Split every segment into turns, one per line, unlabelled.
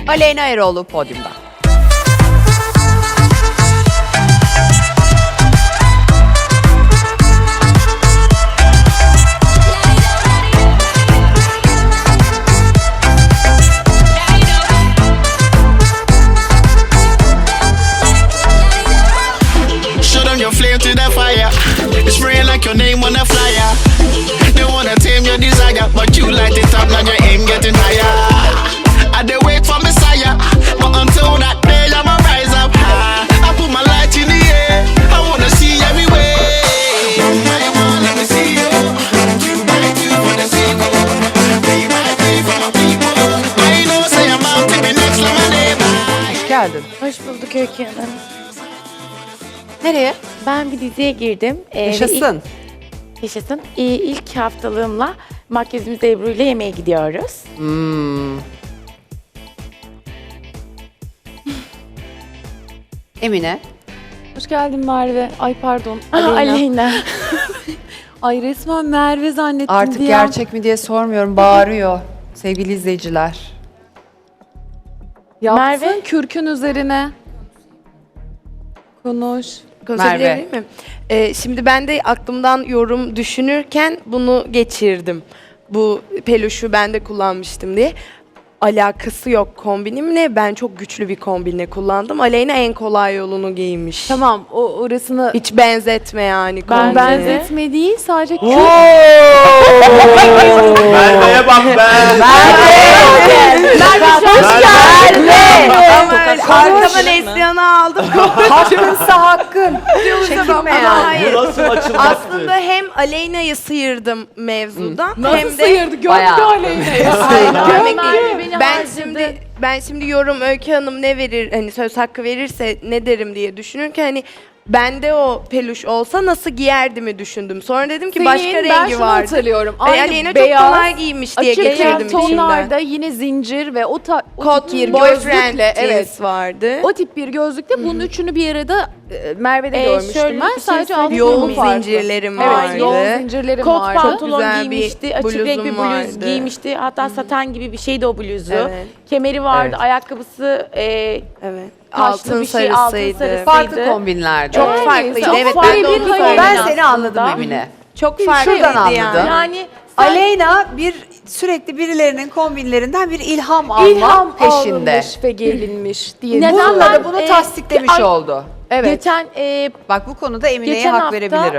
Aleyna Eroğlu podyumda.
Your flame to the fire, it's spraying like your name on a flyer. They wanna tame your desire, but you light it up, now your aim getting higher. I dey wait for Messiah, but until that day I'ma rise up high. I put my light in the air, I wanna see everywhere. I wanna let me see you. You might do for the sequel, they might be for my people. I know say I'm out to be next to my neighbor.
Geldin.
Hoş bulduk Öykü Hanım.
Nereye?
Ben bir diziye girdim.
Yaşasın.
Yaşasın. İlk haftalığımla makyözümüz Ebru ile yemeğe gidiyoruz.
Emine.
Hoş geldin Merve. Ay pardon.
Aleyna.
Ay resmen Merve zannettim
Artık
diye.
gerçek mi diye sormuyorum. Bağırıyor. Sevgili izleyiciler.
Yapsın
Merve.
kürkün üzerine. Konuş.
Konuşabilir
Merve.
miyim? Şimdi ben de aklımdan yorum düşünürken bunu geçirdim. Bu peluşu ben de kullanmıştım diye. Alakası yok kombinimle. Ben çok güçlü bir kombinle kullandım. Aleyna en kolay yolunu giymiş.
Tamam orasını
Hiç benzetme yani
Ben
kombini.
benzetme değil sadece kürk.
Merve'ye bak be.
Arkama Neslihan'ı aldım.
Hakkınsa hakkın. Çekinme yani.
Hayır.
Bu nasıl açılmaktı?
Aslında hem Aleyna'yı sıyırdım mevzudan hem
Nasıl
de
sıyırdı? Gördü
Bayağı.
Aleyna.
Hayır, görmek
Merve
değil.
beni
Ben şimdi yorum Öykü Hanım ne verir hani söz hakkı verirse ne derim diye düşünürken hani bende o peluş olsa nasıl giyerdimi düşündüm. Sonra dedim ki başka
ben
rengi
şunu
vardı.
hatırlıyorum.
Ve
Aynı
Aleyna çok
beyaz,
kolay giymiş diye
açık
getirdim
renk
içimden.
tonlarda yine zincir ve o
Kot
tip bir
boyfriend
gözlükle
jeans vardı.
o tip bir gözlükle bunun üçünü bir arada Merve'de
şöyle
görmüştüm
bir
ben.
şey
Sadece
söyleyeyim.
altı
Yoğun
yolu farklı.
zincirlerim
Evet,
vardı.
yoğun zincirlerim
Kot
vardı.
pantolon
güzel bir
giymişti, açık renk bir
bluzum
bluz
vardı.
giymişti. Hatta saten gibi bir şeydi o bluzu.
Evet.
Kemeri vardı,
Evet.
ayakkabısı
Evet.
taşlı
Altın
bir şey, altın
sarısıydı.
sarısı.
Farklı kombinlerde.
Çok
Yani
farklıydı.
çok
Evet
farklı
ben de
bir
onu
hayal.
söyledim.
Ben
Aslında.
seni anladım Emine.
Çok
Şuradan
farklıydı
anladım.
yani.
Yani sen
Aleyna sürekli birilerinin kombinlerinden bir ilham alma
İlham
peşinde.
alınmış ve gelinmiş diye.
Neden
Bununla
ben,
da bunu tasdiklemiş
ay-
oldu.
Evet.
geçen
Bak bu konuda Emine'ye
geçen
hak
hafta
verebilirim.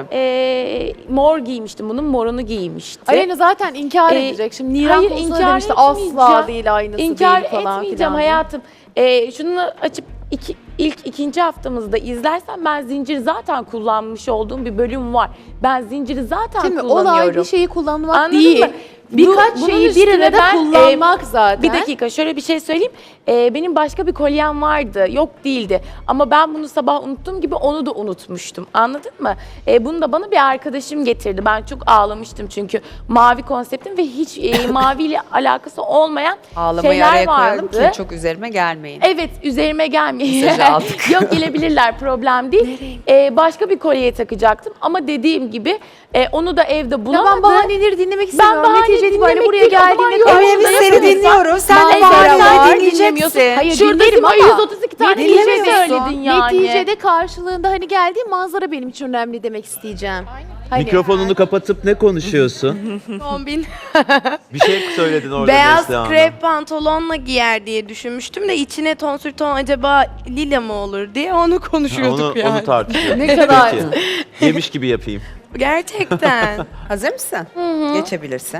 mor giymiştim. Bunun morunu giymişti.
Aleyna zaten inkar
Ee,
edecek. Şimdi Niran
hayır,
konusunda
inkar
demişti asla
etmeyeceğim.
değil aynısı
İnkar
değil falan
etmeyeceğim
filan.
hayatım. Şunu açıp ikinci haftamızda izlersen ben zincir zaten kullanmış olduğum bir bölüm var. Ben zinciri zaten
Şimdi
kullanıyorum.
olay bir şeyi kullanmak
Anladın
değil.
mı?
Birkaç
Bunun
şeyi bir
üstüne
arada
ben,
kullanmak zaten.
Bir dakika şöyle bir şey söyleyeyim. Benim başka bir kolyem vardı. Yok değildi. Ama ben bunu sabah unuttuğum gibi onu da unutmuştum. Anladın mı? Bunu da bana bir arkadaşım getirdi. Ben çok ağlamıştım çünkü mavi konseptim ve hiç maviyle alakası olmayan
Ağlamayı
şeyler
araya koyalım
vardı.
ki çok üzerime gelmeyin.
Evet üzerime gelmeyin.
Mesajı aldık.
Yok gelebilirler problem değil. Başka bir kolyeye takacaktım ama dediğim gibi onu da evde bulamadım.
Ya ben bahaneleri dinlemek istemiyorum.
bahane
Netice itibariyle
dinlemek
buraya
değil, o zaman
geldiğinde
yok.
Emine biz
Orada
seni
yapıyorsan
dinliyoruz. Sen de
manzara
bahaneleri
var,
dinleyeceksin.
dinlemiyorsun.
Hayır,
Şurada
dinlerim ama
132 tane
neticede
dinlemiyorsun. söyledin yani.
Neticede karşılığında hani geldiği manzara benim için önemli demek isteyeceğim. Hani,
Mikrofonunu kapatıp ne konuşuyorsun?
Kombin.
Bir şey söyledin orada
Beyaz
Neslihan'a.
krep pantolonla giyer diye düşünmüştüm de içine tonsür ton acaba lila mı olur diye onu
Ha,
konuşuyorduk yani.
onu tartışıyoruz.
Ne kadar-
Peki. Yemiş gibi yapayım.
Gerçekten.
Hazır mısın? Geçebilirsin.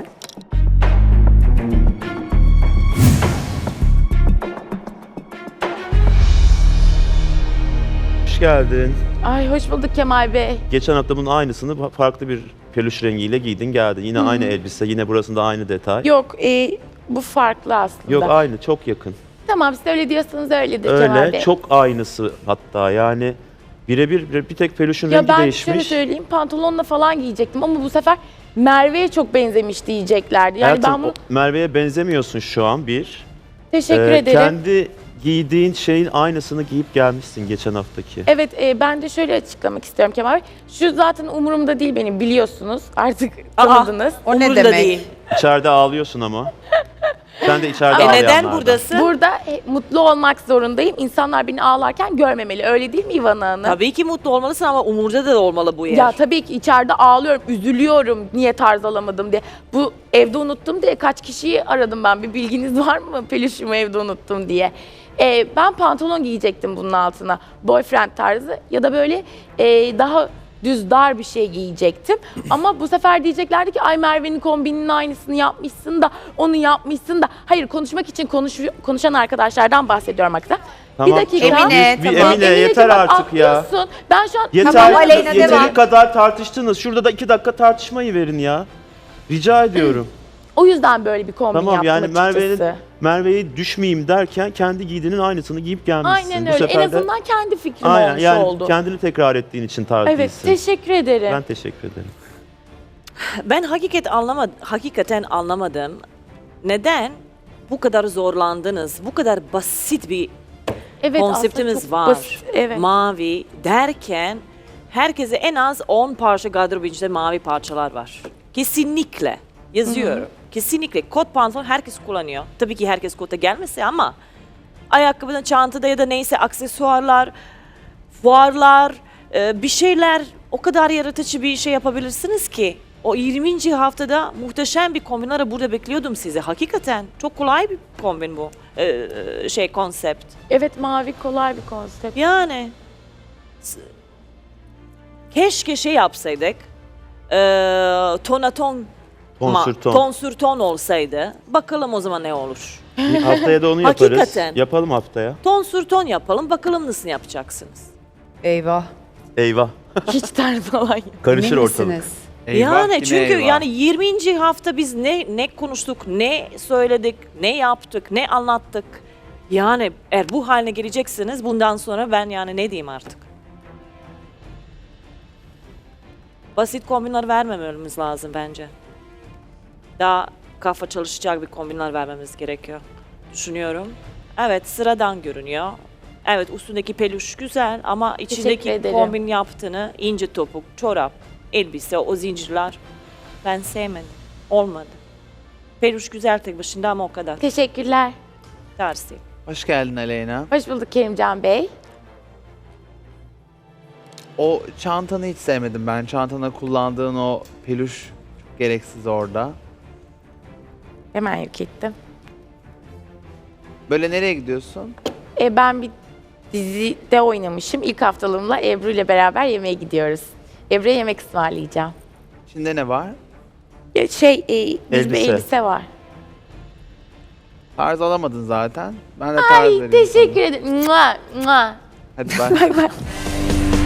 Hoş geldin.
Ay hoş bulduk Kemal Bey.
Geçen hafta bunun aynısını farklı bir peluş rengiyle giydin geldin. Yine aynı elbise, yine burasında aynı detay.
Yok bu farklı aslında.
Yok aynı, çok yakın.
Tamam siz öyle diyorsanız öyledir Kemal
Öyle,
Bey.
çok aynısı hatta yani birebir bir tek peluşun
Ya
rengi
ben şöyle
değişmiş.
söyleyeyim pantolonla falan giyecektim ama bu sefer Merve'ye çok benzemiş diyeceklerdi. Yani
Hayatım,
ben bunu
Merve'ye benzemiyorsun şu an bir.
teşekkür ederim.
Kendi giydiğin şeyin aynısını giyip gelmişsin geçen haftaki.
Evet ben de şöyle açıklamak istiyorum Kemal Bey. Şu zaten umurumda değil benim biliyorsunuz. Artık tanıdınız.
O ne demek?
İçeride ağlıyorsun ama. Sen de içeride
Neden
ağlayanlardan.
buradasın?
Burada mutlu olmak zorundayım. İnsanlar beni ağlarken görmemeli. Öyle değil mi İvana Hanım?
Tabii ki mutlu olmalısın ama umurda da olmalı bu yer.
Ya tabii ki içeride ağlıyorum, üzülüyorum niye tarz alamadım diye. Bu evde unuttum diye kaç kişiyi aradım ben. Bir bilginiz var mı peluşumu evde unuttum diye. Ben pantolon giyecektim bunun altına. Boyfriend tarzı ya da böyle daha düz dar bir şey giyecektim. Ama bu sefer diyeceklerdi ki ay Merve'nin kombininin aynısını yapmışsın da onu yapmışsın da. Hayır konuşmak için konuşan arkadaşlardan bahsediyorum hakikaten.
Tamam.
Bir dakika.
Emine,
Bir
tamam.
Emine yeter
bak,
artık ya.
atlıyorsun. Ben şu an
Yeter,
Tamam, Aleyna,
yeteri
devam.
kadar tartıştınız. Şurada da 2 dakika tartışmayı verin ya. Rica ediyorum.
o yüzden böyle bir kombin
Tamam
yaptım
yani
açıkçası.
Merve'yi düşmeyeyim derken kendi giydiğinin aynısını giyip gelmişsin.
Aynen
Bu
öyle. En
sefer de-
azından kendi fikrim
Aynen,
olmuş
yani
oldu.
kendini tekrar ettiğin için tarz
Evet,
değilsin.
teşekkür ederim.
Ben teşekkür ederim.
Ben hakikaten anlamadım. Neden bu kadar zorlandınız? Bu kadar basit bir
Evet,
konseptimiz
aslında çok
var.
basit, evet.
Mavi derken herkese en az 10 parça gardırop içinde mavi parçalar var. Kesinlikle yazıyorum. Kesinlikle kot pantolon herkes kullanıyor. Tabii ki herkes kota gelmese ama ayakkabıda, çantada ya da neyse aksesuarlar, fuarlar, bir şeyler o kadar yaratıcı bir şey yapabilirsiniz ki. O 20. haftada muhteşem bir kombinleri burada bekliyordum size. Hakikaten çok kolay bir kombin bu konsept.
Evet, mavi kolay bir konsept.
Yani keşke şey yapsaydık. Tonaton
Tonsürton.
tonsürton olsaydı. Bakalım o zaman ne olur.
Haftaya da onu yaparız.
Hakikaten.
Yapalım haftaya.
Tonsürton yapalım. Bakalım nasıl yapacaksınız.
Eyvah.
Eyvah.
Hiç tarz falan yok.
Karışır
Emin
ortalık.
misiniz?
Yani çünkü yani 20. hafta biz ne konuştuk, ne söyledik, ne yaptık, ne anlattık. Yani eğer bu haline geleceksiniz bundan sonra ben yani ne diyeyim artık. Basit kombinler vermememiz lazım bence. Daha kafa çalışacak bir kombinler vermemiz gerekiyor. Düşünüyorum. Evet sıradan görünüyor. Evet üstündeki peluş güzel ama içindeki
ederim.
kombin yaptığını ince topuk, çorap, elbise, o zincirler ben sevmedim. Olmadı. Peluş güzel tek başında ama o kadar.
Teşekkürler.
Tersi.
Hoş geldin Aleyna.
Hoş bulduk Kerimcan Bey.
O çantanı hiç sevmedim ben. Çantana kullandığın o peluş çok gereksiz orada.
Hemen yok ettim.
Böyle nereye gidiyorsun?
Ben bir dizide oynamışım. İlk haftalığımla Ebru ile beraber yemeğe gidiyoruz. Ebru'ya yemek ısmarlayacağım.
İçinde ne var?
Düz bir
Elbise.
elbise var.
Tarz alamadın zaten. Ben de tarz
Ay
vereyim
teşekkür ederim. Mua, mua.
sana. Hadi bak.
Bak bak.